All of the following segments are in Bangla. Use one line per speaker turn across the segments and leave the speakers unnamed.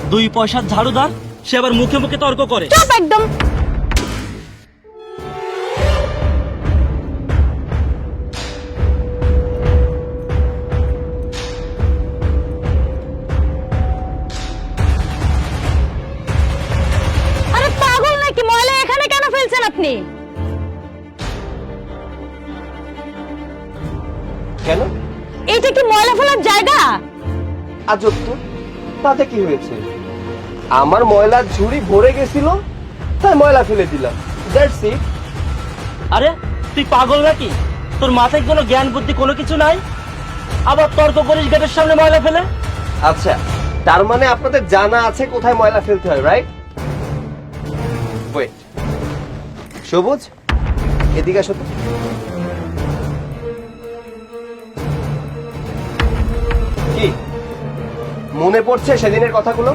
দুই পয়সার ঝাড়ুদার, সে আবার মুখে মুখে তর্ক করে।
চুপ একদম। আরে পাগল নাকি, ময়লা এখানে কেন ফেলছেন আপনি?
কেন?
এইটা কি ময়লা ফেলার জায়গা?
আজব তো, তাতে কি হয়েছে? আমার ময়লার ঝুড়ি ভরে গেছিল, তাই ময়লা ফেলে দিলাম। That's it.
আরে তুই পাগল নাকি? তোর মাথায় কোনো জ্ঞান বুদ্ধি কোনো কিছু নাই? আবার তর্ক করিস গেটের সামনে ময়লা ফেলে?
আচ্ছা, তার মানে আপনাদের জানা আছে কোথায় ময়লা ফেলতে হয়, রাইট? ওয়েট, সবুজ, এদিকে আসো তো। কি মনে পড়ছে সেদিনের কথাগুলো?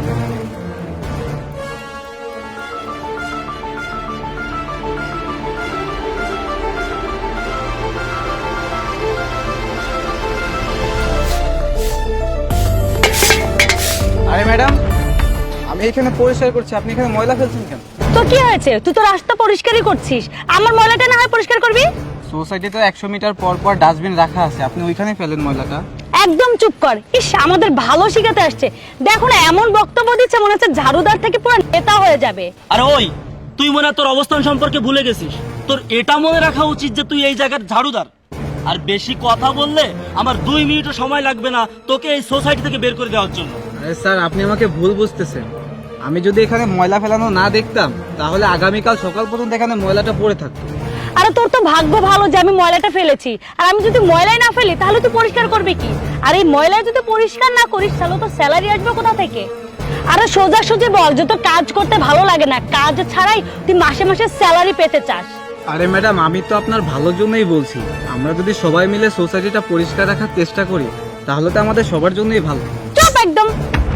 আরে ম্যাডাম, আমি এখানে পরিষ্কার করছি, আপনি এখানে ময়লা ফেলছেন কেন?
তো কি হয়েছে? তুই তো রাস্তা পরিষ্কারই করছিস, আমার ময়লাটা না হয় পরিষ্কার করবি?
সোসাইটিতে 100 মিটার পর পর ডাস্টবিন রাখা আছে, আপনি ওইখানে ফেলেন ময়লাটা।
একদম চুপ কর। ইস, আমাদের ভালো শিখাতে আসছে, দেখো না এমন বক্তব্য দিচ্ছে মনে হচ্ছে ঝাড়ুদার থেকে পুরো নেতা হয়ে যাবে।
আরে ওই, তুই মনে হয় তোর অবস্থান সম্পর্কে ভুলে গেছিস। তোর এটা মনে রাখা উচিত যে তুই এই জায়গার ঝাড়ুদার। আর বেশি কথা বললে আমার 2 মিনিটও সময় লাগবে না তোকে এই সোসাইটি থেকে বের করে দেওয়ার জন্য।
আরে স্যার, আপনি আমাকে ভুল বুঝতেছেন। আমি যদি এখানে ময়লা ফেলানো না দেখতাম, তাহলে আগামীকাল সকাল পর্যন্ত এখানে ময়লাটা পড়ে থাকতো।
আরে তোর তো ভাগ্য ভালো যে আমি ময়লাটা ফেলেছি, আর আমি যদি ময়লাই না ফেলি তাহলে তুই পরিষ্কার করবি কি? আর এই ময়লা যদি পরিষ্কার না করিস তাহলে তো স্যালারি আসবে কোথা থেকে? আরে সোজাসুজি বল যে তোর কাজ করতে ভালো লাগে না, কাজ ছাড়াই তুই মাসে মাসে স্যালারি পেতে চাস।
আরে ম্যাডাম, আমি তো আপনার ভালোর জন্যই বলছি। আমরা যদি সবাই মিলে সোসাইটিটা পরিষ্কার রাখার চেষ্টা করি, তাহলে তো আমাদের সবার জন্যই ভালো।
চুপ একদম।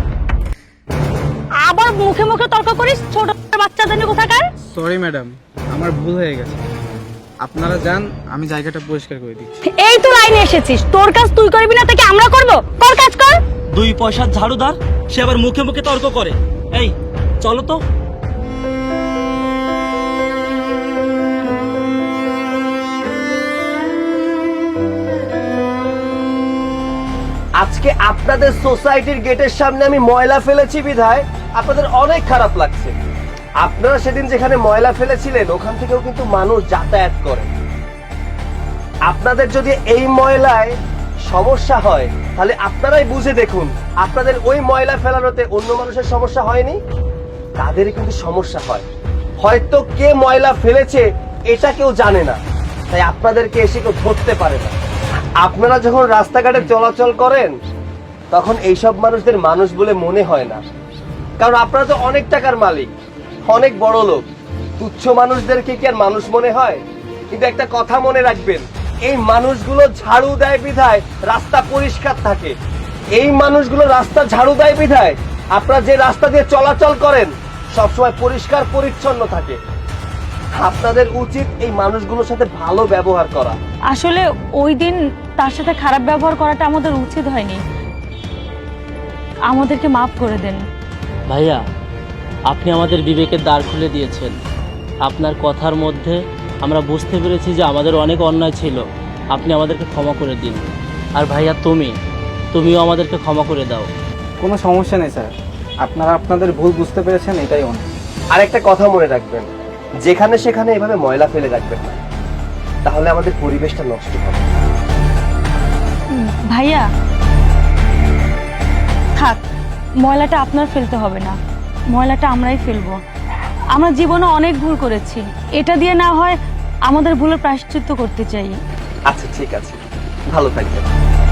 আবার মুখে মুখে তর্ক করিস, ছোট বাচ্চাদের নিয়ে কোথাকার।
সরি ম্যাডাম, আমার ভুল হয়ে গেছে। আপনারা যান, আমি জায়গাটা পরিষ্কার করে দিচ্ছি।
এই তো লাইনে এসেছিস, তোর কাজ তুই করবি না তাকে আমরা করব? কর, কাজ কর।
দুই পয়সার ঝাড়ুদার, সে আবার মুখে মুখে তর্ক করে। এই চলো তো।
আজকে আপনাদের সোসাইটির গেটের সামনে আমি ময়লা ফেলেছি বিধায় আপনাদের অনেক খারাপ লাগছে। আপনারা সেদিন যেখানে ময়লা ফেলেছিলেন ওখান থেকেও কিন্তু মানুষ যাতায়াত করে। আপনাদের যদি এই ময়লায় সমস্যা হয় তাহলে আপনারাই বুঝে দেখুন, আপনাদের ওই ময়লা ফেলানোতে অন্য মানুষের সমস্যা হয়নি, তাদেরই কিন্তু সমস্যা হয়। হয়তো কে ময়লা ফেলেছে এটা কেউ জানে না, তাই আপনাদেরকে এসে কেউ ধরতে পারে না। আপনারা যখন রাস্তাঘাটে চলাচল করেন তখন এইসব মানুষদের মানুষ বলে মনে হয় না, কারণ আপনারা তো অনেক টাকার মালিক, অনেক বড় লোক। তুচ্ছ মানুষদেরকে কি আর মানুষ মনে হয়? কিন্তু একটা কথা মনে রাখবেন, এই মানুষগুলো ঝাড়ু দেয় বিধায় রাস্তা পরিষ্কার থাকে। এই মানুষগুলো রাস্তা ঝাড়ু দেয় বিধায় আপনারা যে রাস্তা দিয়ে চলাচল করেন সবসময় পরিষ্কার পরিচ্ছন্ন থাকে। আপনাদের উচিত এই মানুষগুলোর সাথে ভালো ব্যবহার করা।
আসলে ওই দিন তার সাথে খারাপ ব্যবহার করাটা আমাদের উচিত হয়নি, আমাদেরকে মাফ করে দেন।
ভাইয়া, আপনি আমাদের বিবেকের দ্বার খুলে দিয়েছেন। আপনার কথার মধ্যে আমরা বুঝতে পেরেছি যে আমাদের অনেক অন্যায় ছিল। আপনি আমাদেরকে ক্ষমা করে দিন। আর ভাইয়া, তুমিও আমাদেরকে ক্ষমা করে দাও।
কোনো সমস্যা নেই স্যার, আপনারা আপনাদের ভুল বুঝতে পেরেছেন, এটাই অনেক।
আর একটা কথা মনে রাখবেন, যেখানে সেখানে এভাবে ময়লা ফেলে রাখবেন না, তাহলে আমাদের পরিবেশটা নষ্ট হবে।
ভাইয়া থাক, ময়লাটা আপনার ফেলতে হবে না, ময়লাটা আমরাই ফেলবো। আমরা জীবনে অনেক ভুল করেছি, এটা দিয়ে না হয় আমাদের ভুলের প্রায়শ্চিত্ত করতে চাই।
আচ্ছা ঠিক আছে, ভালো থাকবেন।